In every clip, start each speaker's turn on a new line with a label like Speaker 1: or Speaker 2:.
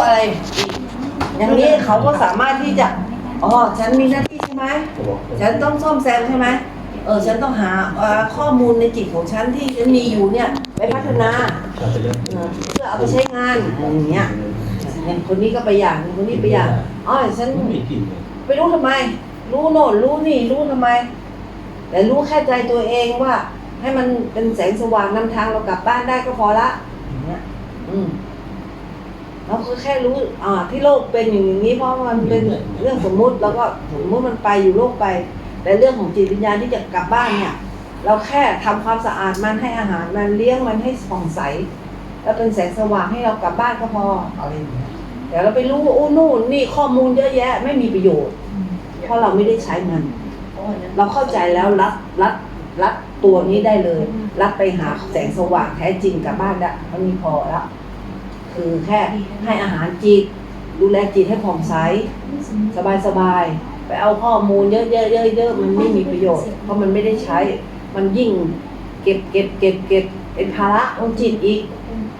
Speaker 1: อะไรอีกอย่างนี้เขาก็สามารถที่จะอ๋อฉันมีหน้าที่ใช่ไหมฉันต้องซ่อมแซมใช่ไหมฉันต้องหาข้อมูลในจิตของฉันที่ฉันมีอยู่เนี่ยไปพัฒนาเพื่อเอาไปใช้งานอย่างเงี้ยอย่างคนนี้ก็ไปอย่างคนนี้ไปอย่างอ๋อฉันไปรู้ทำไมรู้โน่นรู้นี่รู้ทำไมแต่รู้แค่ใจตัวเองว่าให้มันเป็นแสงสว่างนำทางเรากลับบ้านได้ก็พอละอย่างเงี้ยเราก็แค่รู้ที่โลกเป็นอย่างนี้เพราะมันเป็นเรื่องสมมุติแล้วก็สมมุติมันไปอยู่โลกไปแต่เรื่องของจิตวิญญาณที่จะกลับบ้านเนี่ยเราแค่ทำความสะอาดมันให้อาหารมันเลี้ยงมันให้ผ่องใสแล้วเป็นแสงสว่างให้เรากลับบ้านก็พออะไรอย่างเงี้ยแต่เราไปรู้ว่าโอ้นู่นนี่ข้อมูลเยอะแยะไม่มีประโยชน์เพราะเราไม่ได้ใช้มันเราเข้าใจแล้วรัดตัวนี้ได้เลยรัดไปหาแสงสว่างแท้จริงกลับบ้านได้มันมีพอแล้วคือแค่ให้อาหารจิตดูแลจิตให้ผ่องใสสบายไปเอาข้อมูลเยอะมันไม่มีประโยชน์เพราะมันไม่ได้ใช้มันยิ่งเก็บเป็นภาระของจิตอีก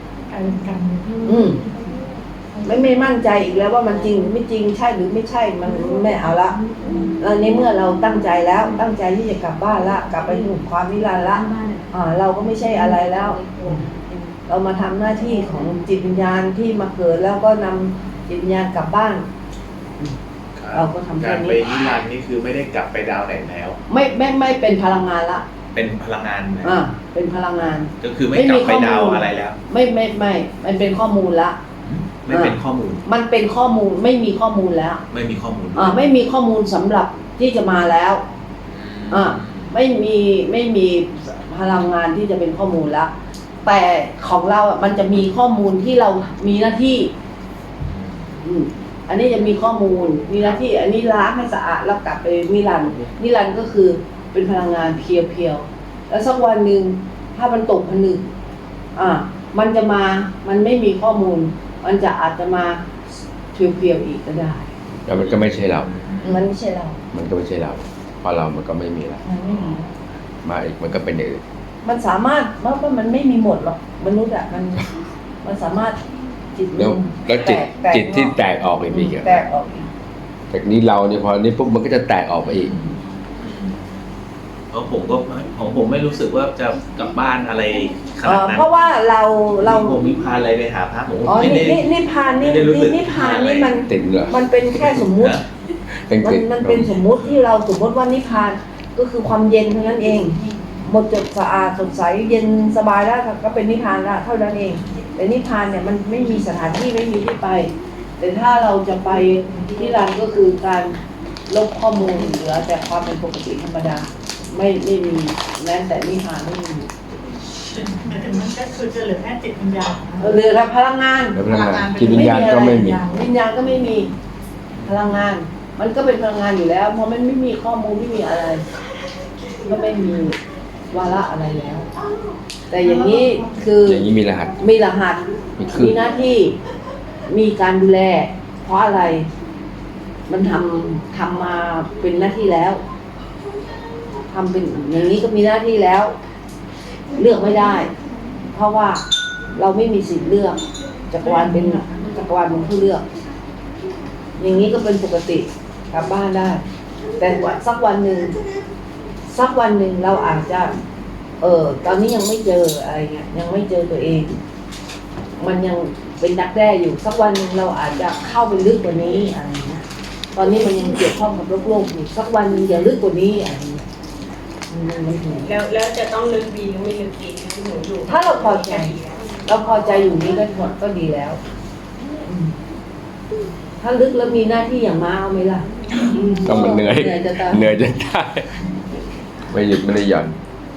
Speaker 1: ไม่มั่นใจอีกแล้วว่ามันจริงหรือไม่จริงใช่หรือไม่ใช่มันไม่เอาละในเมื่อเราตั้งใจแล้วตั้งใจที่จะกลับบ้านละกลับไปสู่ความนิรันดร์ละเราก็ไม่ใช่อะไรแล้วเรามาทำหน้าที่ของจิตวิญญาณที่มาเกิดแล้วก็นำจิตวิญญาณกลับบ้านเราก็ทำแค่นี้
Speaker 2: การไปนิรันดร์นี่คือไม่ได้กลับไปดาวไหนแล้ว
Speaker 1: ไม่เป็นพลังงานละ
Speaker 2: เป็นพลังงาน
Speaker 1: เป็นพลังงาน
Speaker 2: ก็คือไม่กลับไปดาวอะไรแล้ว
Speaker 1: ไม่มันเป็นข้อมูลละ
Speaker 2: ไม่เป็นข้อมูล
Speaker 1: มันเป็นข้อมูลไม่มีข้อมูลแล้ว
Speaker 2: ไม่มีข้อมูล
Speaker 1: ไม่มีข้อมูลสำหรับที่จะมาแล้วไม่มีพลังงานที่จะเป็นข้อมูลแล้วแต่ของเรามันจะมีข้อมูลที่เรามีหน้าที่อันนี้จะมีข้อมูลมีหน้าที่อันนี้ล้างให้สะอาดแล้วกลับไปนิรันดร์ก็คือเป็นพลังงานเพียวๆแล้วสักวันหนึ่งถ้ามันตกผนึกมันจะมามันไม่มีข้อมูลมันจะอาจจะมาเพียวๆอีกก็ได้
Speaker 3: แล้วมันก็ไม่ใช่เรา
Speaker 1: มันไม่ใช่เรา
Speaker 3: มันก็ไม่ใช่เราเพราะเรามันก็ไม่มีแล้วมาอีกมันก็เป็นอย่างอื่น
Speaker 1: มันสามารถเพราะมันไม่มีหมดหรอกมนุษย์มันสามารถจิต
Speaker 3: แล้วจิตที่แตกออกไปอีก
Speaker 1: แตกออกอีก
Speaker 3: จากนี้เราเนี่ยพอนี้ปุ๊บมันก็จะแตกออกไปอีก
Speaker 2: ผมไม่รู้สึกว่าจะกลับบ้านอะไรขนาดนั้น
Speaker 1: เพราะว่าเรา
Speaker 2: ผมนิพพานอะไรไปหาพระผม
Speaker 1: ไม่ได้นิพพานนี่มันเป็นแค่สมมุติมันเป็นสมมุติที่เราสมมติว่านิพพานก็คือความเย็นเท่านั้นเองหมดจดสะอาดสดใสเย็นสบายแล้วก็เป็นนิพพานแล้วเท่านั้นเองแต่นิพพานเนี่ยมันไม่มีสถานที่ไม่มีที่ไปแต่ถ้าเราจะไปนิรันดร์ก็คือการลบข้อมูลเหลือแต่ความเป็นปกติธรรมดาไม่มีแม้แต่นิพพานไม่มี
Speaker 4: มันก็คือจะเหลือแค่จิตวิญญาณ
Speaker 1: เหลือแต่พลังงาน
Speaker 3: จิตวิญญาณก็ไม่มี
Speaker 1: วิญญาณก็ไม่มีพลังงานมันก็เป็นพลังงานอยู่แล้วเพราะมันไม่มีข้อมูลไม่มีอะไรก็ไม่มีวาระอะไรแล้วแต่อย่างนี้คือ
Speaker 3: อย่างนี้มีรหัส
Speaker 1: มีหน้าที่มีการดูแลเพราะอะไรมันทำมาเป็นหน้าที่แล้วทำเป็นอย่างนี้ก็มีหน้าที่แล้วเลือกไม่ได้เพราะว่าเราไม่มีสิทธิ์เลือกจักรวาลเป็นผู้เลือกอย่างนี้ก็เป็นปกติกลับบ้านได้แต่สักวันหนึ่งเราอาจจะตอนนี้ยังไม่เจออะไรเงี้ยยังไม่เจอตัวเองมันยังเป็นดักแด้อยู่สักวันหนึ่งเราอาจจะเข้าไปลึกกว่านี้อะไรเงี้ยตอนนี้มันยังเกี่ยวข้องกับโลกอยู่สักวันนึงอย่าลึกกว่านี้อะไรเงี้ย
Speaker 4: แล้วจะต้องลึกดีหรือไม่ลึกดีที่หนูอยู่
Speaker 1: ถ้าเราพอใจอยู่นี้ก็หมดก็ดีแล้วถ้าลึกแล้วมีหน้าที่อย่างม้าเอาไหมล่ะ
Speaker 3: ต้องมันเหนื่อยจะตายไม่หยุดไม่ได้หย่อน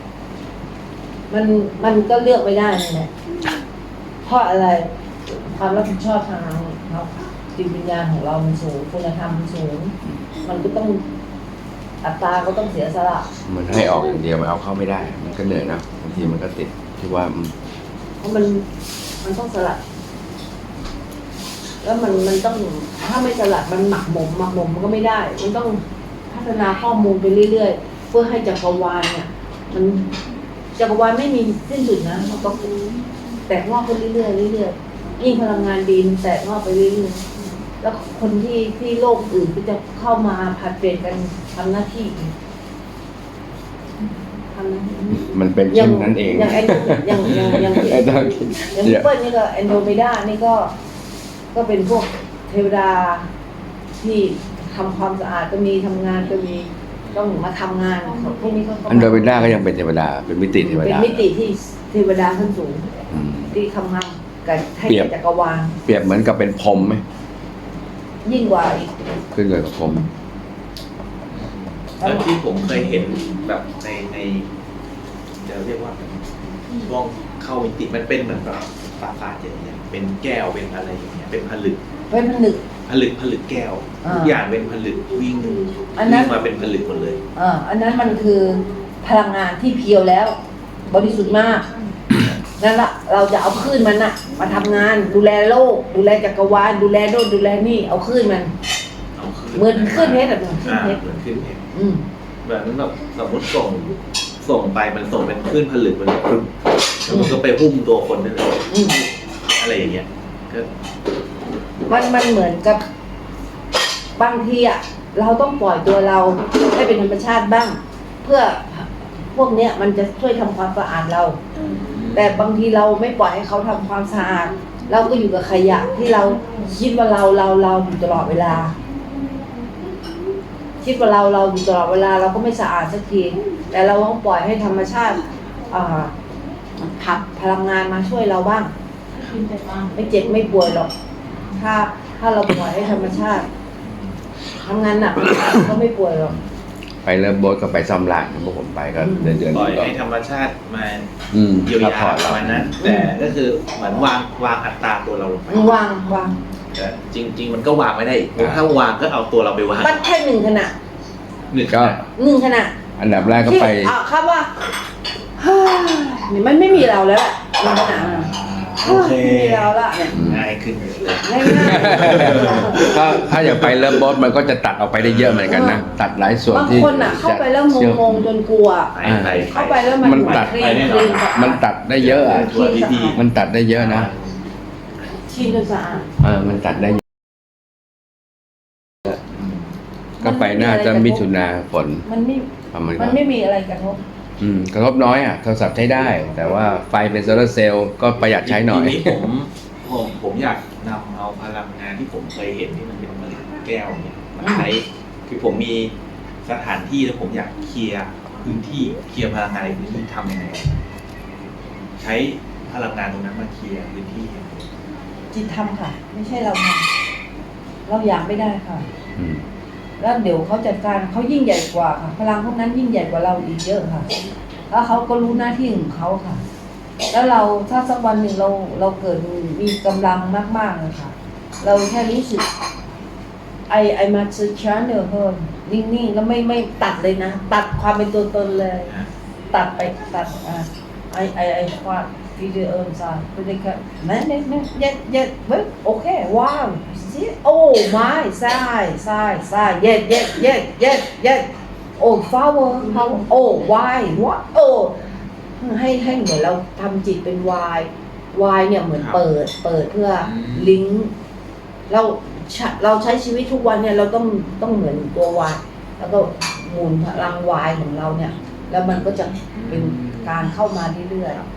Speaker 1: มันก็เลือกไม่ได้นั่นแหละเพราะอะไรความรับผิดชอบทางจิตวิญญาณของเรามันสูงคุณธรรมมันสูงมันก็ต้องอัตตาก็ต้องเสียสละ
Speaker 3: มันให้ออกอย่างเดียวมันเอาเข้าไม่ได้มันก็เหนื่อยนะบางทีมันก็ติดที่ว่า
Speaker 1: เพราะมันต้องสลัดแล้วมันต้องถ้าไม่สลัดมันหมักหมมมันก็ไม่ได้มันต้องพัฒนาข้อมูลไปเรื่อยๆเพื่อให้จักรวาลเนี่ยมันจักรวาลไม่มีสิ้นสุดนะมันก็แตกงอกขึ้นเรื่อยๆยิ่งพลังงานดีมันแตกงอกไปเรื่อยๆแล้วคนที่โลกอื่นก็จะเข้ามาผลัดเปลี่ยนกันทำหน้าที่ทำหน้าที่
Speaker 3: มันเป็นเช่นนั้นเอง
Speaker 1: อย่างอย่าง
Speaker 3: ไอ้ต้องคิด
Speaker 1: อย่าง
Speaker 3: เดี๋
Speaker 1: พี่
Speaker 3: ยว
Speaker 1: เปิ้ลนี่ก็แอนโดเมดานี่ก็เป็นพวกเทวดาที่ทำความสะอาดก็มีทำงานก็มีต้องมาทำงานพวกนี้ก็
Speaker 3: อันโดเวด้าก็ยังเป็นเทวดาเป็นมิติเทว
Speaker 1: เป็น
Speaker 3: ดา
Speaker 1: มิติที่เทวดาขั้นสูง
Speaker 3: อืม
Speaker 1: ที่ทำงานกับให้
Speaker 3: เปรียบ
Speaker 1: จักรวาล
Speaker 3: เปรียบเหมือนกับเป็นพรหมไหม
Speaker 1: ยิ่งกว่าอีก
Speaker 3: ขึ้นเลยกับพรหม
Speaker 2: แล้วที่ผมเคยเห็นแบบในจะเรียกว่าช่วงเข้ามิติมันเป็นเหมือนแบบปราสาทอย่างเงี้ยเป็นแก้วเป็นอะไรอย่างเงี้ยเป็นผลึก
Speaker 1: เป็นผนึก
Speaker 2: ผลึกแก้ว
Speaker 1: อ่า
Speaker 2: ทุกอย่างเป็นผลึกวิ่ง
Speaker 1: อันนั้น
Speaker 2: วิ่งมาเป็นผลึกหมดเลย
Speaker 1: อันนั้นมันคือพลังงานที่เพียวแล้ว บริสุทธิ์มากนั่นละเราจะเอาคลื่นมันอะมาทำงานดูแลโลก ดูแลจักรวาลดูแลโน่นดูแลนี่เอาคลื่นมัน
Speaker 2: เอาขึ้น
Speaker 1: เหมือนคลื่นเพชรอะเหมือนคลื่น
Speaker 2: อ่า
Speaker 1: เพชร
Speaker 2: เหมือนขึ้นเพชร
Speaker 1: อืม
Speaker 2: แบบนั้นแบบสมมติส่งไปมันส่งเป็นคลื่นผลึกมันปึ๊บแล้วมันก็ไปหุ้มตัวคนได้เลย
Speaker 1: อืม
Speaker 2: อะไรอย่างเงี้ยก็
Speaker 1: มันเหมือนกับบางทีอะเราต้องปล่อยตัวเราให้เป็นธรรมชาติบ้าง เพื่อพวกเนี้ยมันจะช่วยทำความสะอาดเรา แต่บางทีเราไม่ปล่อยให้เขาทำความสะอาดเราก็อยู่กับขยะที่เราคิดว่าเราอยู่ตลอดเวลา คิดว่าเราอยู่ตลอดเวลาเราก็ไม่สะอาดสักทีแต่เราต้องปล่อยให้ธรรมชาติผลักพลังงานมาช่วยเราบ้าง ไม่เจ็บไม่ป่วยหรอก ถ้าเราปล่อยให้ธรรมชาติทำงานหนักก็ไม่ป่วยหรอก
Speaker 3: ไปเริ่มโบสก็ไปซ่อมร้านพวกผมไปก็เดือน
Speaker 2: ปล่อย
Speaker 3: ก็
Speaker 2: ให้ธรรมชาติมา
Speaker 3: เยี
Speaker 2: เยียวยา
Speaker 3: พอร์ต
Speaker 2: ป
Speaker 3: เรา
Speaker 2: ระมาณนั้น แต่ก็คือเหมือนวางอัตราตัวเราลงไป
Speaker 1: วาง
Speaker 2: แต่จริง ๆ มันก็วางไม่ได้อีกเพราะถ้าวางก็เอาตัวเราไปวาง
Speaker 1: มันแค่หนึ่งขณะ
Speaker 2: หนึ่ง
Speaker 3: ก็
Speaker 1: ขณะ
Speaker 3: อันดับแรกก็ไป
Speaker 1: ครับว่ามันไม่มีเราแล้วแหละหนึ่งขณะ
Speaker 2: โอเค
Speaker 1: ไม่มีเราละเนี่ย
Speaker 2: ง่ายขึ้นเยอะเลย
Speaker 1: ง่าย
Speaker 3: ถ้าอย่างไปเริ่มโบสมันก็จะตัดออกไปได้เยอะเหมือนกันนะตัดหลายส่วน
Speaker 1: บาง
Speaker 3: ที่
Speaker 1: คนอ่ะเข้าไปแล้วงงจนกลัว
Speaker 2: ไป
Speaker 1: เข้าไปแล้วมัน
Speaker 3: มันตัด
Speaker 1: คลีน
Speaker 3: มันตัดได้เยอะอ่ะ
Speaker 2: ตัวดีๆ
Speaker 3: มันตัดได้เยอะนะ
Speaker 1: ชินจนสะอาด
Speaker 3: มันตัดได้เยอะก็ไปน่าจะมิถุนาฝน
Speaker 1: มันไม่
Speaker 3: ประมาณ
Speaker 1: มันไม่มีอะไรกระทบ
Speaker 3: กระทบน้อยอ่ะโทรศัพท์ใช้ได้ แต่ว่าไฟเป็นโซลาร์เซลล์ก็ประหยัดใช้หน่อย
Speaker 2: ทีนี้ผมอยากนำเอาพลังงานที่ผมเคยเห็นที่มันเป็นผลึกแก้วเนี่ยมาใช้คือผมมีสถานที่แล้วผมอยากเคลียร์พื้นที่เคลียร์พลังงานในพื้นที่ทำยังไงใช้พลังงานตรงนั้นมาเคลียร์พื้นที่
Speaker 1: จิตทำค่ะ ไม่ใช่เราทำเราอยากไม่ได้ค่ะ
Speaker 3: อืม
Speaker 1: แล้วเดี๋ยวเขาจัดการเขายิ่งใหญ่กว่าค่ะ พลังพวกนั้นยิ่งใหญ่กว่าเราอีกเยอะค่ะ แล้วเขาก็รู้หน้าที่ของเขาค่ะ แล้วเราถ้าสักวันหนึ่งเราเกิดมีกำลังมากๆเลยค่ะ เราแค่รู้สึกไอมาซื้อช้าเนอเพิ่มนิ่งๆแล้วไม่ตัดเลยนะ ตัดความเป็นตัวตนเลย ตัดไปตัดไอความวิดีโอซะคือได้แค่นั่นเย็ดเว้ยโอเคว้าวสิโอ้ไม่ใช่เย็ดโอ้ flower เขาโอ้ why what โอ้ให้เหมือนเราทำจิตเป็น why เนี่ยเหมือนเปิดเพื่อลิงก์เราใช้ชีวิตทุกวันเนี่ยเราต้องเหมือนตัว why แล้วก็หมุนพลัง why ของเราเนี่ยแล้วมันก็จะเป็นการเข้ามาเรื่อยๆ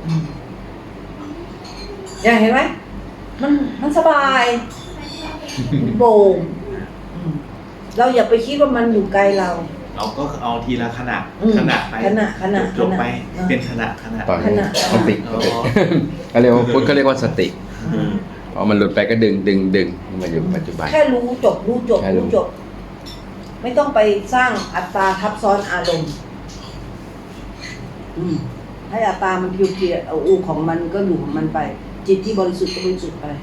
Speaker 1: อย่างเห็นไหมมันสบายโปร่งเราอย่าไปคิดว่ามันอยู่ไกลเรา
Speaker 2: เราก็เอาทีละขนาดไป
Speaker 1: ขณะ
Speaker 2: จบไปเป็นขนาด
Speaker 3: ตอน
Speaker 1: ขณะ
Speaker 3: สติเขาเรียกว่าพุทธเขาเรียกว่าสติพอมันหลุดไปก็ดึงมาอยู่ปัจจุบัน
Speaker 1: แค่รู้จบ ไม่ต้องไปสร้างอัตราทับซ้อนอารมณ์ให้อัตรามันเพียวๆเอาอูของมันก็อยู่ของมันไป จิตที่บริสุทธิ์ก็บริสุทธิ์ไป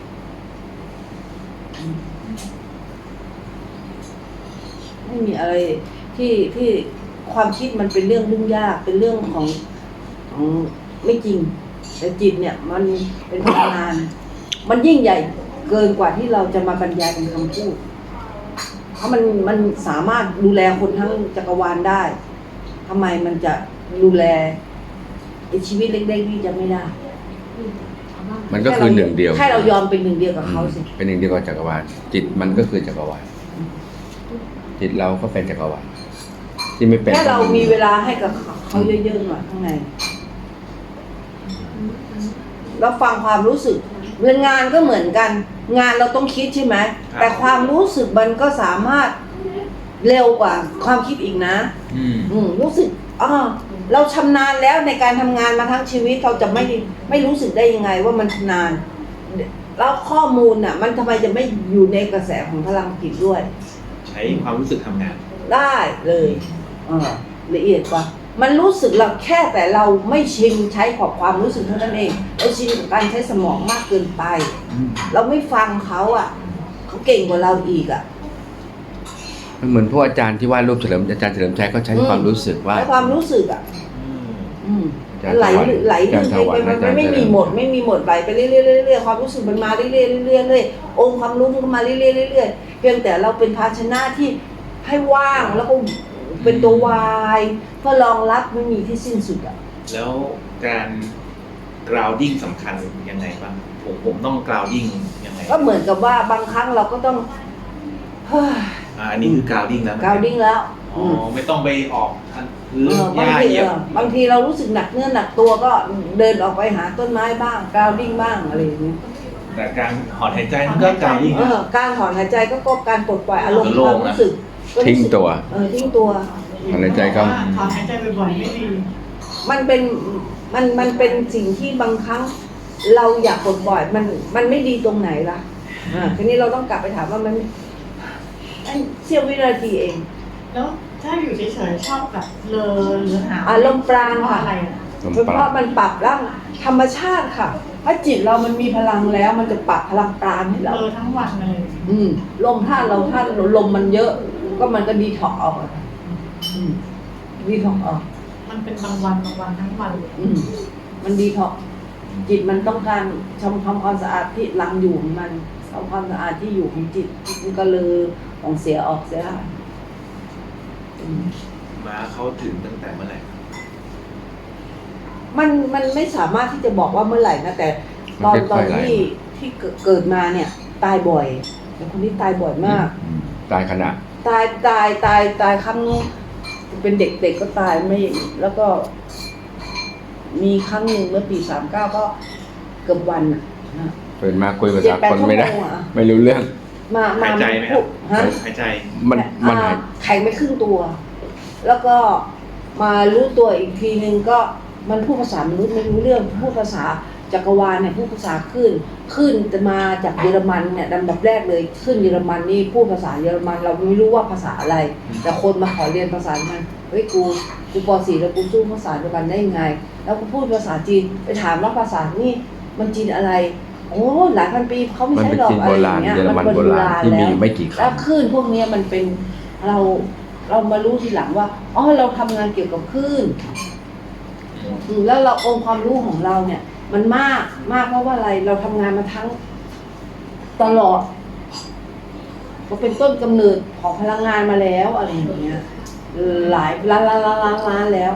Speaker 1: ไม่มีอะไรที่ความคิดมันเป็นเรื่องยุ่งยากเป็นเรื่องของไม่จริง แต่จิตเนี่ยมันเป็นพลังงานมันยิ่งใหญ่เกินกว่าที่เราจะมาบรรยายเป็นคำพูดเพราะมันสามารถดูแลคนทั้งจักรวาลได้ทำไมมันจะดูแลไอ้ชีวิตเล็กๆนี่จะไม่ได้
Speaker 3: มันก็คือหนึ่งเดียว
Speaker 1: แค่เรายอมเป็นหนึ่งเดียวกับเขาสิ
Speaker 3: เป็นหนึ่งเดียวกับจักรวาลจิตมันก็คือจักรวาลจิตเราก็เป็นจักรวาลที่ไม่เป็น
Speaker 1: แค่เรามีเวลาให้กับเขาเยอะๆหน่อยข้างในแล้วฟังความรู้สึกเรื่องงานก็เหมือนกัน งานเราต้องคิดใช่ไหมแต่ความรู้สึกมันก็สามารถเร็วกว่าความคิดอีกนะ รู้สึกเราชำนาญแล้วในการทำงานมาทั้งชีวิตเราจะไม่รู้สึกได้ยังไงว่ามันชำนาญแล้วข้อมูลน่ะ มันทำไมจะไม่อยู่ในกระแสของพลังจิตด้วย
Speaker 2: ใช้ความรู้สึกทำงาน
Speaker 1: ได้เลยละเอียดกว่ามันรู้สึกเราแค่แต่เราไม่ชินใช้ขอบความรู้สึกเท่านั้นเองเราชินกับการใช้สมองมากเกินไป เราไม่ฟังเขาเขาเก่งกว่าเราอีก
Speaker 3: มันเหมือนพวกอาจารย์ที่วาดรูปอาจารย์เฉลิมชัยเขาใช้ความรู้สึกว่า
Speaker 1: ใช้ความรู้สึกไหลไปไม่มีหมดไหลไปเรื่อยๆความรู้สึกมันมาเรื่อยๆเรื่อยๆองค์ความรู้มันมาเรื่อยๆเรื่อยๆเพียงแต่เราเป็นภาชนะที่ให้ว่างแล้วก็เป็นตัววายเพื่อรองรับไม่มีที่สิ้นสุด
Speaker 2: แล้วการ grounding สำคัญยังไงบ้างผมต้อง grounding ยังไง
Speaker 1: ก็เหมือนกับว่าบางครั้งเราก็ต้อง
Speaker 2: อันนี้คือ grounding แล้ว
Speaker 1: grounding แล้ว
Speaker 2: ไม่ต้องไปออกพื้นหญ้าเหยียบบ
Speaker 1: างทีเรารู้สึกหนักเนื้อหนักตัวก็เดินออกไปหาต้นไม้บ้าง grounding บ้างอะไรอย่างนี้
Speaker 2: แต่การถอนหายใจมันก็ grounding
Speaker 1: การถอนหายใจก็การปลดปล่อยอารมณ์ความรู้สึก
Speaker 3: ทิ้งตัว
Speaker 1: ทิ้งตัว
Speaker 3: ถอนหายใจก็
Speaker 4: ถอนหายใจบ่อยๆไม่ดี
Speaker 1: มันเป็นสิ่งที่บางครั้งเราอยากปลดปล่อยมันไม่ดีตรงไหนล่ะทีนี้เราต้องกลับไปถามว่ามันเสี้ยววินาทีเอง
Speaker 4: แล้วถ้าอยู่เฉยๆชอบแบบเลอหรือหา
Speaker 1: อารมณ์ปราณค่ะเพราะมันปรับร่างธรรมชาติค่ะถ้าจิตเรามันมีพลังแล้วมันจะปรับพลังปราณให้เรา
Speaker 4: ทั้งวันเลย
Speaker 1: ลมถ้าลมมันเยอะก็มันก็ดีท็อกออกดีท็อกออก
Speaker 4: มันเป็นบางวันทั้งวัน
Speaker 1: มันดีท็อกจิตมันต้องการทำความสะอาดที่รังอยู่ของมันทำความสะอาดที่อยู่ของจิตมันก็เลยของเสียออกเสีย
Speaker 2: มาเขาถึงตั้งแต่เมื่อไหร่
Speaker 1: มันไม่สามารถที่จะบอกว่าเมื่อไหร่นะแต่ตอนที่เกิดมาเนี่ยตายบ่อยแต่คนที่ตายบ่อยมาก
Speaker 3: ตายขณะ
Speaker 1: ตายครั้งเป็นเด็กๆก็ตายไม่แล้วก็มีครั้งหนึ่งเมื่อปี39ก็เกือบวัน
Speaker 3: เปิดมาคุยภาษาคนไม่ได้ไม่รู้เรื่อง
Speaker 2: หายใจไหมครับหายใจ
Speaker 3: มัน
Speaker 1: แข็งไปครึ่งตัวแล้วก็มารู้ตัวอีกทีนึงก็มันพูดภาษามนุษย์ไม่รู้เรื่องพูดภาษาจักรวาลเนี่ยพูดภาษาขึ้นจะมาจากเยอรมันเนี่ยลำดับแรกเลยขึ้นเยอรมันนี่พูดภาษาเยอรมันเราไม่รู้ว่าภาษาอะไรแต่คนมาขอเรียนภาษามันเฮ้ยกูป.4 แล้วกูสู้ภาษาเดียวกันได้ยังไงแล้วกูพูดภาษาจีนไปถามว่าภาษานี่มันจีนอะไรโอ้หลายพันปีเขาไม่ใช่หรอกอะไรอย่างเงี้ยมันโบราณแล้วคลื่นพวกนี้มันเป็นเรามารู้ทีหลังว่าเราทำงานเกี่ยวกับคลื่นแล้วเราองค์ความรู้ของเราเนี่ยมันมากเพราะว่าอะไรเราทำงานมาทั้งตลอดก็เป็นต้นกำเนิดของพลังงานมาแล้วอะไรอย่างเงี้ยหลายล้านแล้ว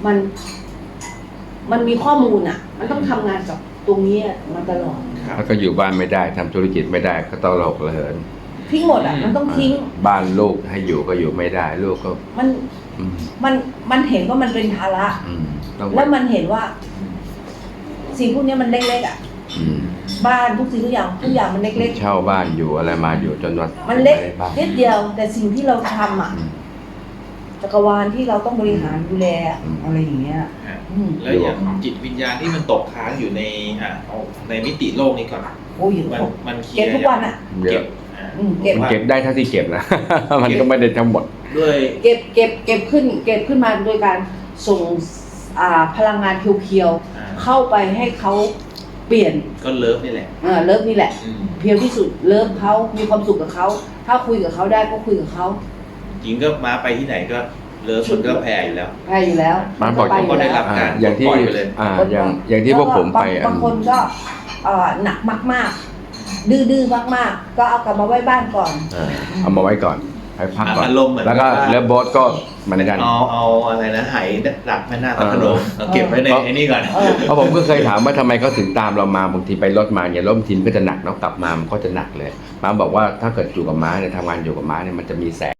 Speaker 1: มันมีข้อมูลมันต้องทำงานกับตรงนี้มาตลอด
Speaker 3: แล้วก็อยู่บ้านไม่ได้ทำธุรกิจไม่ได้ก็ต้องหลอกระเหิน
Speaker 1: ทิ้งหมดมันต้องทิ้ง
Speaker 3: บ้านลูกให้อยู่ก็อยู่ไม่ได้ลูกก็
Speaker 1: มันเห็นว่ามันเป็นภาระแล้วมันเห็นว่าสิ่งพวกนี้มันเล็กๆบ้านทุกสิ่งทุกอย่างมันเล็ก
Speaker 3: ๆเช่าบ้านอยู่อะไรมาอยู่จนวัน
Speaker 1: มันเล็กนิดเดียวแต่สิ่งที่เราทำจักรวาลที่เราต้องบริหารดูแลอะไรอย่างเงี้ย
Speaker 2: แล้วอย่างจิตวิญญาณที่มันตกค้างอยู่ในมิติโลกนี้ก่อนมัน
Speaker 1: เก็บทุกวัน
Speaker 3: เก็บได้เท่าที่เก็บนะมันก็ไม่ได้ทั้งหมด
Speaker 2: ด้วย
Speaker 1: เก็บขึ้นมาโดยการส่งพลังงานเพียวๆเข้าไปให้เขาเปลี่ยน
Speaker 2: ก็เลิฟนี่แหละ
Speaker 1: เลิฟนี่แหละเพียวที่สุดเลิฟเขามีความสุขกับเขาถ้าคุยกับเขาได้ก็คุยกับเขา
Speaker 2: จริงก็มาไปที่ไหนก็เลิฟมันก็แพ้อยู่แล้ว
Speaker 3: มาบอก
Speaker 2: ก็ได้รับการ
Speaker 3: อย่างที่อย่างที่พวกผมไป
Speaker 1: บางคนก็หนักมากๆดื้อๆมากๆก็เอากลับมาไว้บ้านก่อน
Speaker 3: เอามาไว้ก่อนให้พักก่อน
Speaker 2: อารมณ์เหมือน
Speaker 3: แล้วก็เรือโบ๊ทก็มาในกัน
Speaker 2: เอาอะไรนะไหดักแม่นาคพระโขนงเอาเก็บไว้ในไอ้นี่ก่อน
Speaker 3: เพราะผมก็เคยถามว่าทำไมเขาถึงตามเรามาบางทีไปรถมาเนี่ยรถบางทีมันก็จะหนักเนาะกลับมามันก็จะหนักเลยม้าบอกว่าถ้าเกิดอยู่กับม้าเนี่ยทำงานอยู่กับม้าเนี่ยมันจะมีแสง